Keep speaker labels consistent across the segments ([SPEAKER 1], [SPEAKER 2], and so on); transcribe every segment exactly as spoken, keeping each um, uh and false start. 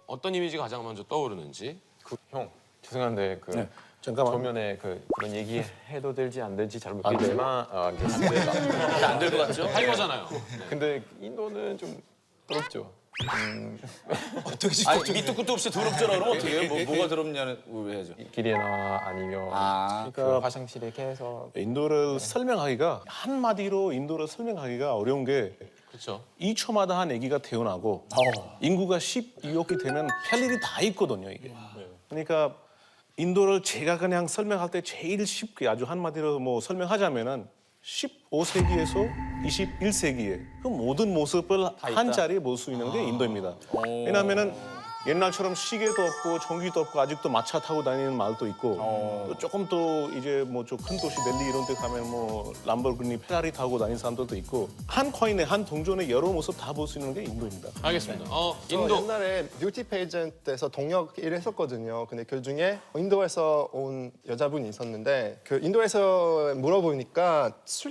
[SPEAKER 1] 어떤 이미지가 가장 먼저 떠오르는지.
[SPEAKER 2] 그, 형 죄송한데 그
[SPEAKER 3] 네.
[SPEAKER 2] 잠깐만 조면에 그 그런 얘기 해도 될지 안 될지 잘 모르겠지만 아, 알겠습니다.
[SPEAKER 3] 안 될 것 같죠?
[SPEAKER 1] 할 거잖아요.
[SPEAKER 2] 근데 인도는 좀 더럽죠. 음,
[SPEAKER 3] 어떻게 아니 밑도 끝도 없이 더럽잖아. 그러면 어떻게 해요? 뭐, 뭐가 더럽냐는 왜 해야죠?
[SPEAKER 2] 길이나 아니면
[SPEAKER 3] 아,
[SPEAKER 2] 그
[SPEAKER 4] 그러니까
[SPEAKER 2] 화장실에 계속
[SPEAKER 4] 인도를 설명하기가 한마디로 인도를 설명하기가 어려운 게
[SPEAKER 1] 그렇죠.
[SPEAKER 4] 이 초마다 한 아기가 태어나고 인구가 십이억이 되면 할 일이 다 있거든요, 이게. 그러니까 인도를 제가 그냥 설명할 때 제일 쉽게 아주 한마디로 뭐 설명하자면은 십오 세기에서 이십일 세기에 그 모든 모습을 한 자리에 볼 수 있는 게 인도입니다. 왜냐하면은 옛날처럼 시계도 없고 전기도 없고 아직도 마차 타고 다니는 마을도 있고 또 조금 또 이제 뭐 좀 큰 도시 델리 이런 데 가면 뭐 람보르기니 페라리 타고 다니는 사람들도 있고 한 코인에 한 동전의 여러 모습 다 볼 수 있는 게 인도입니다.
[SPEAKER 1] 알겠습니다. 어,
[SPEAKER 5] 저
[SPEAKER 1] 인도.
[SPEAKER 5] 옛날에 뷰티 페이전트에서 동역 일을 했었거든요. 근데 그 중에 인도에서 온 여자분이 있었는데 그 인도에서 물어보니까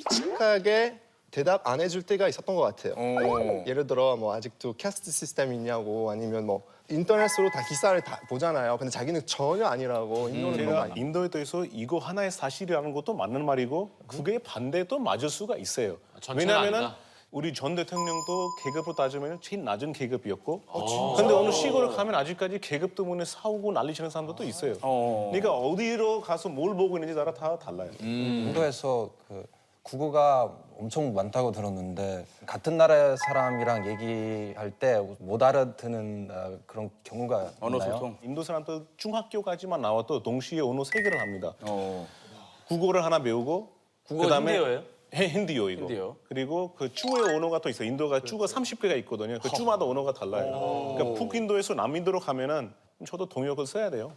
[SPEAKER 5] 솔직하게 대답 안 해줄 때가 있었던 것 같아요.
[SPEAKER 3] 오.
[SPEAKER 5] 예를 들어 뭐 아직도 캐스트 시스템이 있냐고 아니면 뭐 인터넷으로 다 기사를 다 보잖아요. 근데 자기는 전혀 아니라고 인도는 너무
[SPEAKER 4] 제가
[SPEAKER 5] 아니.
[SPEAKER 4] 인도에 대해서 이거 하나의 사실이라는 것도 맞는 말이고 그게 반대도 맞을 수가 있어요.
[SPEAKER 1] 전체는
[SPEAKER 4] 왜냐하면
[SPEAKER 1] 아니다.
[SPEAKER 4] 우리 전 대통령도 계급으로 따지면 제일 낮은 계급이었고 근데 어느 시골을 가면 아직까지 계급 때문에 싸우고 난리치는 사람들도 있어요.
[SPEAKER 3] 어.
[SPEAKER 4] 그러니까 어디로 가서 뭘 보고 있는지 나라 다 달라요.
[SPEAKER 6] 인도에서 그 국어가 엄청 많다고 들었는데 같은 나라 사람이랑 얘기할 때 못 알아듣는 어, 그런 경우가
[SPEAKER 3] 언어
[SPEAKER 6] 있나요?
[SPEAKER 3] 소통.
[SPEAKER 4] 인도 사람들 중학교까지만 나와도 동시에 언어 세 개를 합니다.
[SPEAKER 3] 어.
[SPEAKER 4] 국어를 하나 배우고
[SPEAKER 3] 국어
[SPEAKER 4] 그다음에
[SPEAKER 3] 힌디어예요?
[SPEAKER 4] 해, 힌디어 이거.
[SPEAKER 3] 힌디어.
[SPEAKER 4] 그리고 그 주의 언어가 또 있어요. 인도가 주가 삼십 개가 있거든요. 그 주마다 언어가 달라요. 그러니까 북인도에서 남인도로 가면은 저도 동역을 써야 돼요.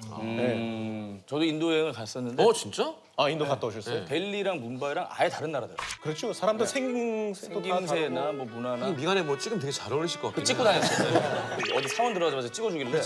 [SPEAKER 3] 음, 저도 인도 여행을 갔었는데
[SPEAKER 1] 어, 진짜?
[SPEAKER 4] 아 인도 갔다 오셨어요?
[SPEAKER 3] 델리랑 뭄바이랑 아예 다른 나라더라고요.
[SPEAKER 4] 그렇죠. 사람들 생김새도 다
[SPEAKER 3] 생김새나
[SPEAKER 4] 다르고.
[SPEAKER 3] 뭐 문화나
[SPEAKER 1] 미간에 뭐 찍으면 되게 잘 어울리실 것 같아요.
[SPEAKER 3] 찍고 다녔어요. 어디 사원 들어가자마자 찍어주길래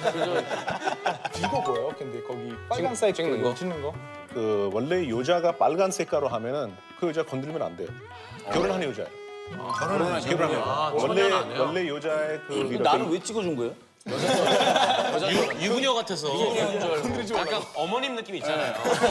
[SPEAKER 7] 이거 뭐예요? 근데 거기 빨간색
[SPEAKER 2] 찍는 거?
[SPEAKER 7] 찍는 거?
[SPEAKER 4] 그 원래 여자가 빨간 색깔로 하면은 그 여자 건들면 안 돼요. 결혼한 여자예요.
[SPEAKER 3] 결혼을
[SPEAKER 4] 결혼한 여자.
[SPEAKER 1] 아,
[SPEAKER 4] 원래
[SPEAKER 1] 천연 안 해요?
[SPEAKER 4] 원래 여자의 그 이렇게
[SPEAKER 3] 나를 왜 찍어준 거예요?
[SPEAKER 1] 유, 유부녀 같아서. 약간 어머님 느낌이 있잖아요.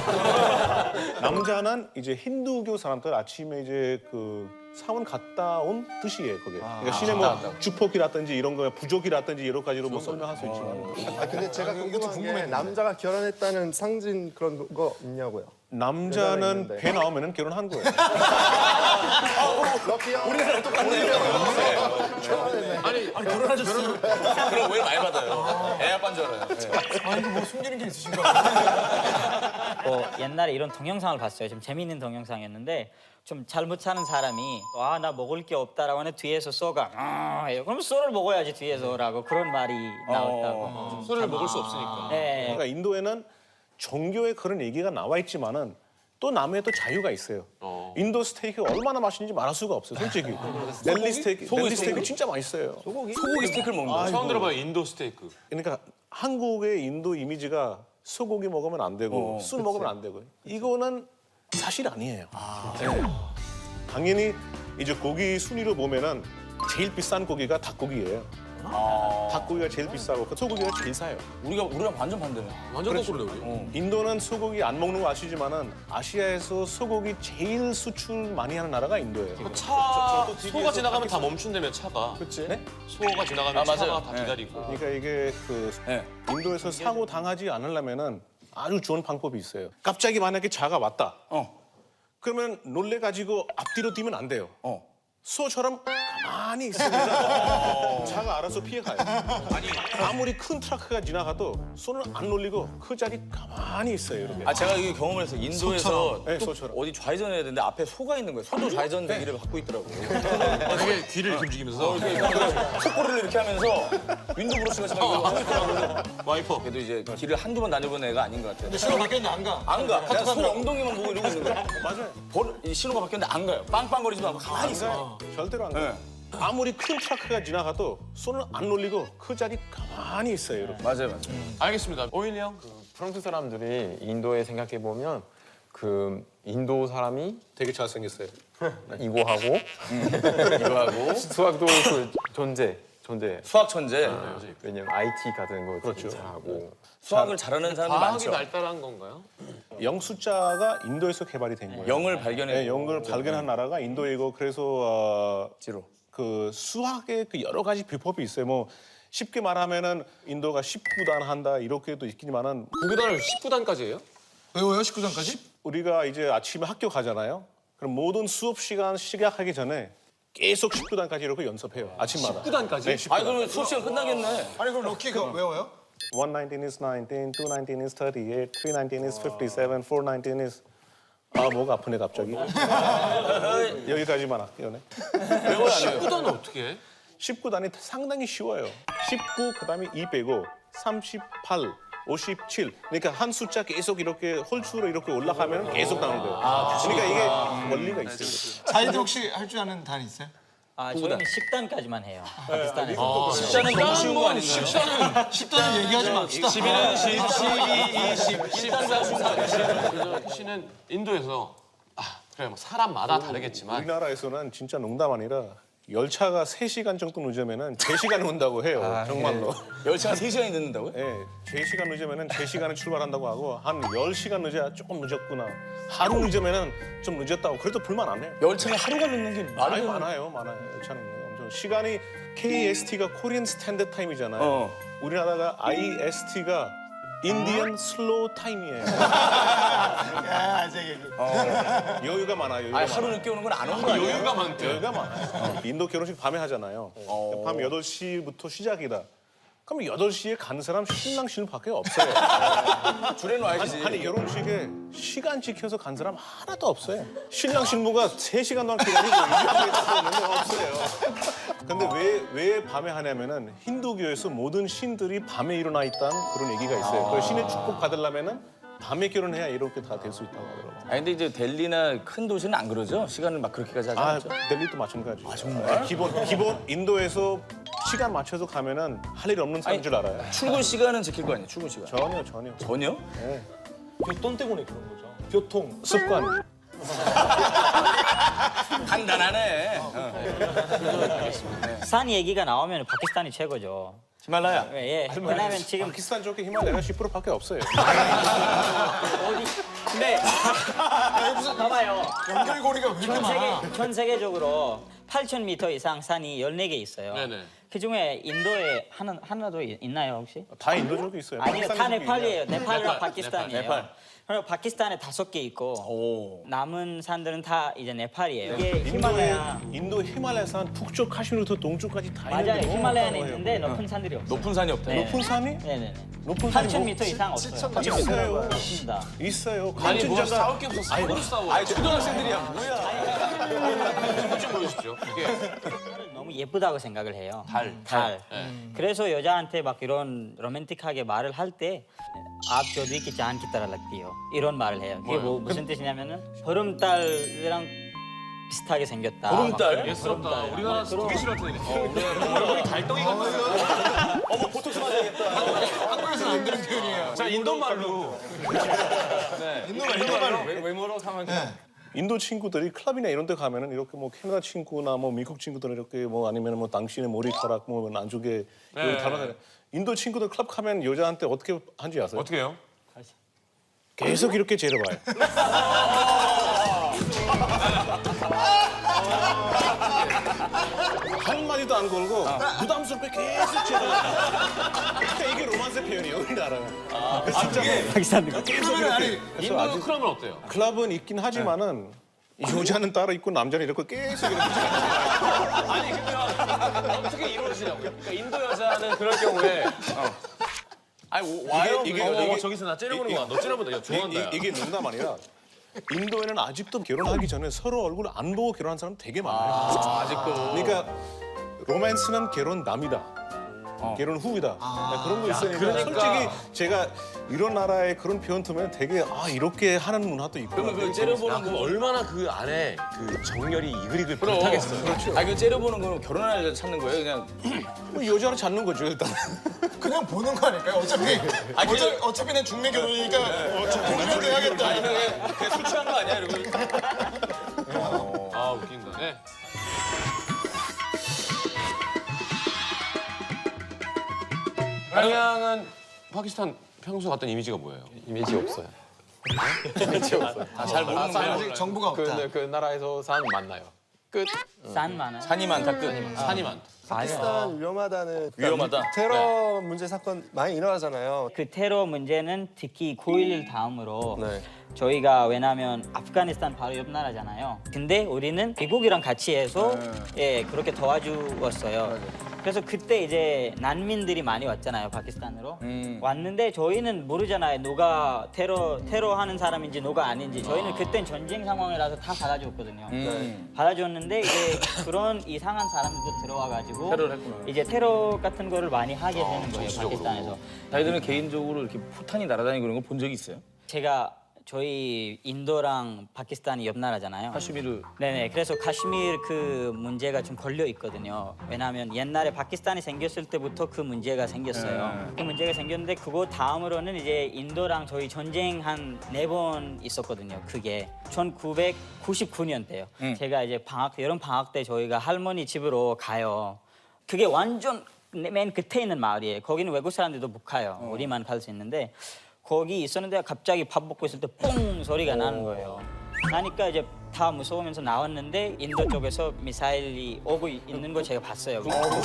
[SPEAKER 4] 남자는 이제 힌두교 사람들 아침에 이제 그 사원 갔다 온 뜻이에요, 그게. 그러니까 신의 뭐 주폭이라든지 이런 거, 부족이라든지 여러 가지로 뭐 설명할 수 있지만
[SPEAKER 5] 아 근데 제가 궁금한 게 남자가 결혼했다는 상징 그런 거 있냐고요.
[SPEAKER 4] 남자는
[SPEAKER 5] 있는데.
[SPEAKER 4] 배 나오면은 결혼한 거예요.
[SPEAKER 5] 럭키요.
[SPEAKER 3] 우리나라 똑같네요.
[SPEAKER 1] 아니,
[SPEAKER 3] 결혼하셨어요? 그럼 왜 많이 받아요? 애 아빠인 줄 알아요.
[SPEAKER 8] 어, 옛날에 이런 동영상을 봤어요. 좀 재미있는 동영상이었는데 좀 잘못 사는 사람이 아 나 먹을 게 없다라고 하는 뒤에서 쏘가 아, 이래요. 그럼 쏘를 먹어야지 뒤에서라고 그런 말이 나왔다고.
[SPEAKER 1] 술을 먹을 수 없으니까.
[SPEAKER 8] 네.
[SPEAKER 4] 그러니까 인도에는 종교에 그런 얘기가 나와 있지만은 또 남의 또 자유가 있어요. 인도 스테이크 얼마나 맛있는지 말할 수가 없어요, 솔직히. 델리 스테이크,
[SPEAKER 3] 소고기
[SPEAKER 4] 델리 스테이크
[SPEAKER 3] 스테이크?
[SPEAKER 4] 진짜 맛있어요.
[SPEAKER 3] 소고기 스테이크를 먹는 거예요?
[SPEAKER 1] 처음 들어봐요, 인도 스테이크.
[SPEAKER 4] 그러니까 한국의 인도 이미지가 소고기 먹으면 안 되고
[SPEAKER 3] 어,
[SPEAKER 4] 술 먹으면 안 되고 이거는 사실 아니에요. 네. 당연히 이제 고기 순위로 보면은 제일 비싼 고기가 닭고기예요. 닭고기가 제일 비싸고 그 소고기가 제일 싸요.
[SPEAKER 3] 우리가 우리랑 완전 반대네.
[SPEAKER 1] 완전 거꾸로네, 우리.
[SPEAKER 4] 인도는 소고기 안 먹는 거 아시지만은 아시아에서 소고기 제일 수출 많이 하는 나라가 인도예요.
[SPEAKER 1] 차, 소가 지나가면 다 멈춘다며, 차가.
[SPEAKER 4] 그렇지?
[SPEAKER 1] 소가 지나가면
[SPEAKER 3] 아,
[SPEAKER 1] 차가
[SPEAKER 3] 맞아요.
[SPEAKER 1] 다
[SPEAKER 3] 네.
[SPEAKER 1] 기다리고.
[SPEAKER 4] 그러니까 이게 그
[SPEAKER 3] 네.
[SPEAKER 4] 인도에서 사고 당하지 않으려면은 아주 좋은 방법이 있어요. 갑자기 만약에 차가 왔다.
[SPEAKER 3] 어.
[SPEAKER 4] 그러면 놀래가지고 앞뒤로 뛰면 안 돼요.
[SPEAKER 3] 어.
[SPEAKER 4] 소처럼 가만히 있습니다. 차가 알아서 피해가요. 아니 아무리 큰 트럭가 지나가도 손을 안 놀리고 그 자리 가만히 있어요. 이렇게.
[SPEAKER 3] 아 제가 이 경험을 했어요. 인도에서
[SPEAKER 4] 네,
[SPEAKER 3] 또
[SPEAKER 4] 소처럼.
[SPEAKER 3] 어디 좌회전해야 되는데 앞에 소가 있는 거예요. 소도 좌회전 기를 갖고 있더라고.
[SPEAKER 1] 아, 되게 귀를 이렇게 움직이면서.
[SPEAKER 3] 속고리를 이렇게 하면서 윈도 브러쉬가 지금 이거 하고 있더라고.
[SPEAKER 1] 와이퍼.
[SPEAKER 3] 그래도 이제 길을 한두 번 다녀본 애가 아닌 것 같아요.
[SPEAKER 7] 신호 바뀌었는데 안 가.
[SPEAKER 3] 안 가. 내가 소 엉덩이만 보고 이러고 있는 거야.
[SPEAKER 4] 맞아요.
[SPEAKER 3] 번, 이 신호가 바뀌었는데 안 가요. 빵빵거리지도 않고 가만히 있어요.
[SPEAKER 4] 절대로 안 가요.
[SPEAKER 3] 네.
[SPEAKER 4] 아무리 큰 트럭가 지나가도 손을 안 놀리고 그 자리 가만히 있어요. 이렇게.
[SPEAKER 3] 맞아요, 맞아요.
[SPEAKER 1] 알겠습니다. 오일리 형.
[SPEAKER 2] 프랑스 사람들이 인도에 생각해 보면 그 인도 사람이
[SPEAKER 4] 되게 잘생겼어요.
[SPEAKER 2] 이거 하고 이거 하고 수학도 그 존재 존재.
[SPEAKER 3] 수학 천재.
[SPEAKER 2] 왜냐면 아이티 같은 거
[SPEAKER 4] 그렇죠.
[SPEAKER 2] 되게 잘하고.
[SPEAKER 3] 수학을 잘하는 사람들
[SPEAKER 1] 과학이
[SPEAKER 3] 많죠.
[SPEAKER 1] 발달한 건가요?
[SPEAKER 4] 영 숫자가 인도에서 개발이 된 거예요.
[SPEAKER 3] 영을 발견해.
[SPEAKER 4] 네, 영을 발견한 나라가 인도이고 그래서 어,
[SPEAKER 3] 지로.
[SPEAKER 4] 그 수학의 그 여러 가지 비법이 있어요. 뭐 쉽게 말하면은 인도가 십구 단 한다 이렇게도 있기만은
[SPEAKER 1] 구구단을 십구 단까지 해요?
[SPEAKER 7] 외워요 십구 단까지?
[SPEAKER 4] 우리가 이제 아침에 학교 가잖아요. 그럼 모든 수업 시간 시작하기 전에 계속 십구 단까지 이렇게 연습해요. 아침마다.
[SPEAKER 1] 십구 단까지?
[SPEAKER 4] 네, 십구
[SPEAKER 3] 아니
[SPEAKER 4] 단.
[SPEAKER 3] 그러면 수업 시간 끝나겠네.
[SPEAKER 7] 아니 그럼 럭키 그거 외워요?
[SPEAKER 4] one nineteen is nineteen, two nineteen is thirty-eight, three nineteen is fifty-seven, four nineteen is 아 뭐가 아프네 갑자기. 여기까지만 할게요. 네.
[SPEAKER 1] 십구 단은 어떻게 해?
[SPEAKER 4] 십구 단이 상당히 쉬워요. 십구 그다음에 이 빼고 삼십팔, 오십칠. 그러니까 한 숫자 계속 이렇게 홀수로 이렇게 올라가면 계속 나오는 거예요. 그러니까 이게 원리가 있어요.
[SPEAKER 7] 자이들 혹시 할 줄 아는 단 있어요?
[SPEAKER 8] 아, 저희는 십 단까지만 해요. 파키스탄에서.
[SPEAKER 3] 십자는 너무 쉬운 거 아닌가요?
[SPEAKER 7] 십 단은 얘기하지 맙시다.
[SPEAKER 1] 십일은 십, 십이, 이십, 십삼, 십사. 씨는 인도에서 아 그래 뭐 사람마다 다르겠지만
[SPEAKER 4] 우리나라에서는 진짜 농담 아니라 열차가 세 시간 정도 늦으면은 제 시간에 온다고 해요. 정말로.
[SPEAKER 3] 열차가 세 시간이 늦는다고요?
[SPEAKER 4] 예, 제 시간 늦으면은 제 시간에 출발한다고 하고 한 열 시간 늦어야 조금 늦었구나. 하루 늦으면은 좀 늦었다고 그래도 불만 안 해요.
[SPEAKER 3] 열차가 하루가 늦는 게 말이
[SPEAKER 4] 많이
[SPEAKER 3] 되는
[SPEAKER 4] 많아요, 많아요. 열차는 엄청 시간이 케이에스티가 코리안 스탠드 타임이잖아요.
[SPEAKER 3] 어.
[SPEAKER 4] 우리나라가 아이에스티가 인디언 슬로우 타임이에요.
[SPEAKER 7] 야, 제 얘기.
[SPEAKER 4] 여유가 많아요. 여유가
[SPEAKER 3] 아니
[SPEAKER 4] 많아요.
[SPEAKER 3] 하루 늦게 오는 건 안 오는 거 아니에요?
[SPEAKER 1] 여유가 많대.
[SPEAKER 4] 여유가 많아요. 인도 결혼식 밤에 하잖아요. 밤 여덟 시부터 시작이다. 그럼 여덟 시에 간 사람 신랑 신부밖에 없어요.
[SPEAKER 3] 줄여놔야지.
[SPEAKER 4] 아니 결혼식에 시간 지켜서 간 사람 하나도 없어요. 신랑 신부가 세 시간 동안 기다리고 이렇게 없어요. 근데 왜, 왜 밤에 하냐면은 힌두교에서 모든 신들이 밤에 일어나 있다는 그런 얘기가 있어요. 그 신의 축복 받으려면은 밤에 결혼해야 이렇게 다 될 수 있다고 하더라고요.
[SPEAKER 3] 아니 근데 이제 델리나 큰 도시는 안 그러죠? 시간을 막 그렇게까지 하지
[SPEAKER 4] 아,
[SPEAKER 3] 않죠?
[SPEAKER 4] 델리도 마찬가지예요. 아, 정말? 기본, 기본 인도에서 시간 맞춰서 가면은 할 일 없는 사람인 줄 알아요.
[SPEAKER 3] 출근 시간은 지킬 거 아니에요? 출근 시간.
[SPEAKER 4] 전혀, 전혀.
[SPEAKER 3] 전혀?
[SPEAKER 7] 교통 때문에 그런 거죠. 교통.
[SPEAKER 4] 습관.
[SPEAKER 3] 간단하네.
[SPEAKER 8] 산 얘기가 나오면 파키스탄이 최고죠.
[SPEAKER 3] 히말라야.
[SPEAKER 8] 예, 왜냐면 지금
[SPEAKER 4] 파키스탄 쪽에 히말라야가 십 퍼센트밖에 없어요.
[SPEAKER 8] 근데 봐봐요.
[SPEAKER 7] 연결고리가 왜 이렇게
[SPEAKER 8] 전
[SPEAKER 7] 많아?
[SPEAKER 8] 세계 전 세계적으로 팔천 미터 이상 산이 열네 개 있어요.
[SPEAKER 1] 네네.
[SPEAKER 8] 그 중에 인도에 하나 하나도 있나요 혹시?
[SPEAKER 4] 다 인도 쪽에 있어요.
[SPEAKER 8] 아니요, 다
[SPEAKER 4] 파키스탄 쪽에
[SPEAKER 8] 네팔이에요.
[SPEAKER 4] 있냐?
[SPEAKER 8] 네팔이랑
[SPEAKER 1] 네팔,
[SPEAKER 8] 파키스탄이에요.
[SPEAKER 3] 네팔.
[SPEAKER 8] 그리고 파키스탄에 다섯 개 있고
[SPEAKER 3] 오.
[SPEAKER 8] 남은 산들은 다 이제 네팔이에요. 이게
[SPEAKER 4] 인도에
[SPEAKER 8] 히말라야.
[SPEAKER 4] 인도 히말라야산 북쪽 카슈미르부터 동쪽까지 다
[SPEAKER 8] 맞아요.
[SPEAKER 4] 있는데 너무
[SPEAKER 8] 히말라야는
[SPEAKER 4] 많아요.
[SPEAKER 8] 있는데 높은 산들이 없어요.
[SPEAKER 3] 높은 산이 없다.
[SPEAKER 8] 네.
[SPEAKER 4] 높은 산이
[SPEAKER 8] 네네네.
[SPEAKER 4] 높은 산이
[SPEAKER 8] 팔천
[SPEAKER 4] 뭐-
[SPEAKER 8] 미터 이상 없어요.
[SPEAKER 4] 있어요.
[SPEAKER 8] 없습니다.
[SPEAKER 4] 있어요.
[SPEAKER 1] 아니 뭐
[SPEAKER 4] 간천자가
[SPEAKER 1] 싸울 게 없어 싸우고 싸워. 아니
[SPEAKER 3] 초등학생들이야 뭐야?
[SPEAKER 1] 좀 보여주십시오. 이게
[SPEAKER 8] 너무 예쁘다고 생각을 해요.
[SPEAKER 1] 달.
[SPEAKER 8] 달.
[SPEAKER 1] 네.
[SPEAKER 8] 그래서 여자한테 막 이런 로맨틱하게 말을 할 때 आप जो भी की जान की तरह लगती हो 이런 말을 해요. 그게 뭐 무슨 뜻이냐면은 보름달이랑 비슷하게 생겼다.
[SPEAKER 3] 보름달?
[SPEAKER 1] 예스럽다. 우리나라 되게 싫어할 텐데. 얼굴이 달덩이 같아.
[SPEAKER 3] 어머 보톡스 맞아야겠다.
[SPEAKER 7] 한국에서는 안 되는 표현이에요.
[SPEAKER 1] 자 인도 말로.
[SPEAKER 7] 인도가 인도말로.
[SPEAKER 3] 외모로 하면
[SPEAKER 4] 인도 친구들이 클럽이나 이런 데 가면은 이렇게 뭐 캐나다 친구나 뭐 미국 친구들 이렇게 뭐 아니면 뭐 당신의 머리카락 뭐 안쪽에 여기 달아서 인도 친구들 클럽 가면 여자한테 어떻게 한지 아세요?
[SPEAKER 1] 어떻게 해요?
[SPEAKER 4] 계속 이렇게 재려봐요. 한 마디도 안 걸고 부담스럽게 계속 재려봐요. 그러니까 이게 로만스 표현이에요, 우리나라는. 아, 진짜
[SPEAKER 8] 파키스탄
[SPEAKER 4] 계속 이렇게.
[SPEAKER 1] 인도 클럽은 어때요?
[SPEAKER 4] 클럽은 있긴 하지만은 여자는 따로 있고 남자는 이렇게 계속 이렇게
[SPEAKER 1] 아니 그러면 어떻게 이루어지냐고요? 그러니까 인도 여자는 그럴 경우에
[SPEAKER 3] 아니 오- 와요.
[SPEAKER 4] 이게-
[SPEAKER 1] 어,
[SPEAKER 4] 이게-
[SPEAKER 1] 어, 저기서 나 째려보는 거야. 너 째려본다. 야 좋아한다. 야.
[SPEAKER 4] 이, 게 농담 아니라 인도에는 아직도 결혼하기 전에 서로 얼굴 안 보고 결혼한 사람 되게 많아요.
[SPEAKER 3] 아, 아직도.
[SPEAKER 4] 그러니까 로맨스는 결혼 남이다. 결혼 후이다. 그런 거 있으니까
[SPEAKER 1] 그러니까.
[SPEAKER 4] 솔직히 제가 이런 나라의 그런 표현 들으면 되게 아 이렇게 하는 문화도 있고.
[SPEAKER 3] 그러면 그 째려보는
[SPEAKER 1] 그럼
[SPEAKER 3] 거.
[SPEAKER 1] 얼마나 그 안에 그 정열이 이글이글 불타겠어.
[SPEAKER 3] 그렇죠. 아그 째려보는 거는 결혼할 여자 찾는 거예요, 그냥.
[SPEAKER 4] 뭐 여자를 찾는 거죠 일단.
[SPEAKER 7] 그냥 보는 거 아닐까요? 어차피 어차피, 어차피 난 중매 결혼이니까 보면 돼야겠다.
[SPEAKER 3] 그냥, 그냥 술 취한 거 아니야, 이러고.
[SPEAKER 1] 아 웃긴다. 네. 양양은 파키스탄 평소 갔던 이미지가 뭐예요?
[SPEAKER 2] 이미지 없어요.
[SPEAKER 3] 아, 잘 모르는 거야.
[SPEAKER 7] 아직 정보가 없다.
[SPEAKER 2] 그, 그 나라에서 사람 만나요. 끝.
[SPEAKER 8] 산 많아요.
[SPEAKER 3] 산이 많다 끝.
[SPEAKER 1] 산이 많다.
[SPEAKER 5] 파키스탄 위험하다는
[SPEAKER 3] 위험하다?
[SPEAKER 5] 테러 문제 사건 많이 일어나잖아요.
[SPEAKER 8] 그 테러 문제는 특히 구일일 다음으로
[SPEAKER 5] 네.
[SPEAKER 8] 저희가 왜냐하면 아프가니스탄 바로 옆 나라잖아요. 근데 우리는 미국이랑 같이 해서 예 그렇게 도와주었어요. 그래서 그때 이제 난민들이 많이 왔잖아요, 파키스탄으로. 왔는데 저희는 모르잖아요, 누가 테러 테러하는 사람인지 누가 아닌지. 저희는 그땐 전쟁 상황이라서 다 받아줬거든요. 받아줬는데 이제 그런 이상한 사람들도 들어와가지고
[SPEAKER 3] 테러를 했구나.
[SPEAKER 8] 이제 테러 같은 거를 많이 하게 되는 거예요,
[SPEAKER 1] 정치적으로.
[SPEAKER 8] 파키스탄에서.
[SPEAKER 3] 자기들은 개인적으로 이렇게 포탄이 날아다니고 그런 거 본 적이 있어요?
[SPEAKER 8] 제가 저희 인도랑 파키스탄이 옆 나라잖아요.
[SPEAKER 3] 카슈미르.
[SPEAKER 8] 네네. 그래서 카슈미르 그 문제가 좀 걸려 있거든요. 왜냐하면 옛날에 파키스탄이 생겼을 때부터 그 문제가 생겼어요. 그 문제가 생겼는데 그거 다음으로는 이제 인도랑 저희 전쟁 한 네 번 있었거든요. 그게 천구백구십구 년 때요. 제가 이제 방학 여름 방학 때 저희가 할머니 집으로 가요. 그게 완전 맨 끝에 있는 마을이에요. 거기는 외국 사람들도 못 가요. 우리만 갈 수 있는데. 거기 있었는데 갑자기 밥 먹고 있을 때 뽕 소리가 나는 거예요. 나니까 이제 다 무서우면서 나왔는데 인도 쪽에서 미사일이 오고 있는 걸 제가 봤어요.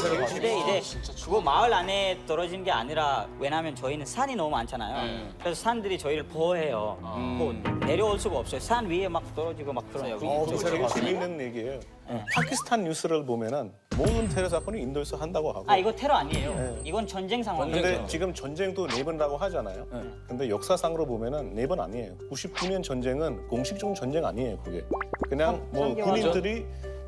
[SPEAKER 8] 근데 이제 그거 마을 안에 떨어진 게 아니라 왜냐하면 저희는 산이 너무 많잖아요. 그래서 산들이 저희를 보호해요. 뭐 내려올 수가 없어요. 산 위에 막 떨어지고 막 그러요.
[SPEAKER 4] 어, 그 되게 재밌는 얘기예요. 파키스탄 뉴스를 보면은 모든 테러 사건이 인도에서 한다고 하고.
[SPEAKER 8] 아 이거 테러 아니에요. 이건 전쟁 상황이에요.
[SPEAKER 4] 근데 지금 전쟁도 네 번이라고 하잖아요. 근데 역사상으로 보면은 네 번 아니에요. 구십구 년 전쟁은 공식적 전쟁 아니에요, 그게. 그냥 뭐 군인들이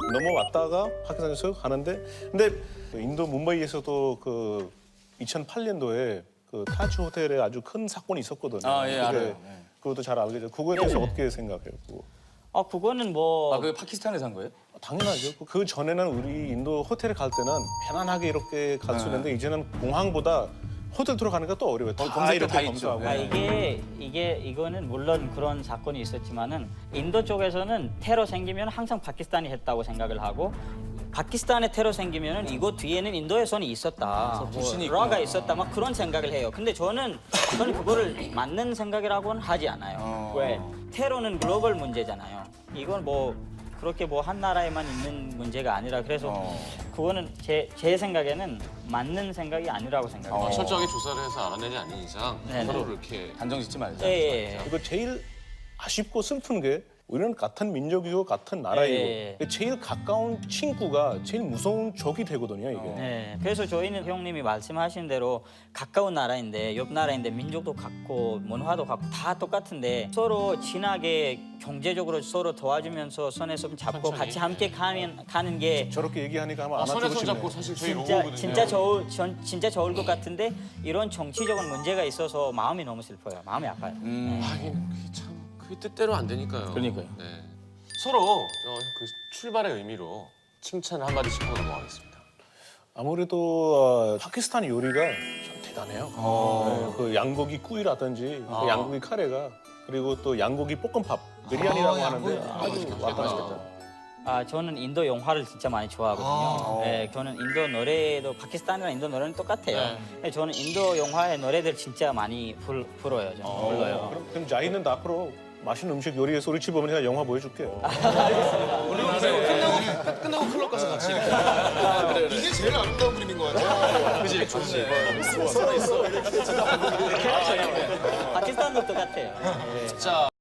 [SPEAKER 4] 넘어왔다가 파키스탄에서 하는데, 근데 인도 뭄바이에서도 그 이천팔 년도에 그 타지 호텔에 아주 큰 사건이 있었거든요.
[SPEAKER 3] 아, 예,
[SPEAKER 4] 그게
[SPEAKER 3] 알아요.
[SPEAKER 4] 그것도 잘 알겠죠. 그거에 대해서 어떻게 생각해요? 그거?
[SPEAKER 8] 아 그거는 뭐
[SPEAKER 3] 아, 그게 파키스탄에서 한 거예요?
[SPEAKER 4] 당연하죠. 그 전에는 우리 인도 호텔에 갈 때는 편안하게 이렇게 갈 수 있는데 이제는 공항보다 호텔 들어가니까 또 어려워요. 다
[SPEAKER 3] 검색도
[SPEAKER 4] 이렇게
[SPEAKER 3] 다 있죠.
[SPEAKER 4] 검사하고.
[SPEAKER 8] 아, 이게 이게 이거는 물론 그런 사건이 있었지만은 인도 쪽에서는 테러 생기면 항상 파키스탄이 했다고 생각을 하고 파키스탄에 테러 생기면은 이거 뒤에는 인도의 손이 있었다,
[SPEAKER 3] 불신이
[SPEAKER 8] 뭐 라가 있었다, 막 그런 생각을 해요. 근데 저는 저는 그거를 맞는 생각이라고는 하지 않아요.
[SPEAKER 3] 어.
[SPEAKER 8] 왜 테러는 글로벌 문제잖아요. 이건 뭐 그렇게 뭐 한 나라에만 있는 문제가 아니라 그래서
[SPEAKER 3] 어.
[SPEAKER 8] 그거는 제 제 생각에는 맞는 생각이 아니라고 생각해요.
[SPEAKER 1] 어, 철저하게 조사를 해서 알아내지 않는 이상
[SPEAKER 8] 네네.
[SPEAKER 1] 서로를 이렇게
[SPEAKER 3] 단정 짓지 말자.
[SPEAKER 8] 예, 예, 예.
[SPEAKER 4] 그리고 제일 아쉽고 슬픈 게 우리는 같은 민족이고 같은 나라이고
[SPEAKER 8] 예, 예.
[SPEAKER 4] 제일 가까운 친구가 제일 무서운 적이 되거든요, 이게.
[SPEAKER 8] 네, 그래서 저희는 형님이 말씀하신 대로 가까운 나라인데 옆 나라인데 민족도 같고 문화도 같고 다 똑같은데 서로 친하게 경제적으로 서로 도와주면서 손에 손 잡고
[SPEAKER 1] 천천히.
[SPEAKER 8] 같이 함께 가는 가는 게
[SPEAKER 4] 저렇게 얘기하니까 아마
[SPEAKER 1] 아,
[SPEAKER 4] 안
[SPEAKER 1] 손에
[SPEAKER 4] 맞추고
[SPEAKER 1] 손
[SPEAKER 4] 싶네요.
[SPEAKER 1] 잡고 사실 저희
[SPEAKER 8] 진짜
[SPEAKER 1] 로고거든요.
[SPEAKER 8] 진짜 좋을 전, 진짜 좋을 것 같은데 이런 정치적인 문제가 있어서 마음이 너무 슬퍼요. 마음이 아파요.
[SPEAKER 1] 하긴 그게 참 그게 뜻대로 안 되니까요.
[SPEAKER 3] 그러니까요.
[SPEAKER 1] 네. 서로 어, 그 출발의 의미로 칭찬을 한 마디씩 하고 넘어가겠습니다.
[SPEAKER 4] 아무래도 어, 파키스탄 요리가 참 대단해요. 네, 그 양고기 구이라든지 그 양고기 카레가 그리고 또 양고기 볶음밥 비리안이라고 하는데 아주 왔다 갔다.
[SPEAKER 8] 아 저는 인도 영화를 진짜 많이 좋아하거든요. 네, 저는 인도 노래도 파키스탄이랑 인도 노래는 똑같아요. 근데 저는 인도 영화의 노래들 진짜 많이 불, 불어요. 저는 불러요.
[SPEAKER 4] 그럼, 그럼 자이는 앞으로 맛있는 음식 요리해서 우리 집 오면 제가 영화 보여줄게요.
[SPEAKER 1] 끝나고 끝나고 클럽 가서 같이 이렇게.
[SPEAKER 7] 이게 제일 아름다운 그림인 것 같아요.
[SPEAKER 3] 그지? 좋네.
[SPEAKER 8] 파키스탄도 똑같아요.
[SPEAKER 1] 자.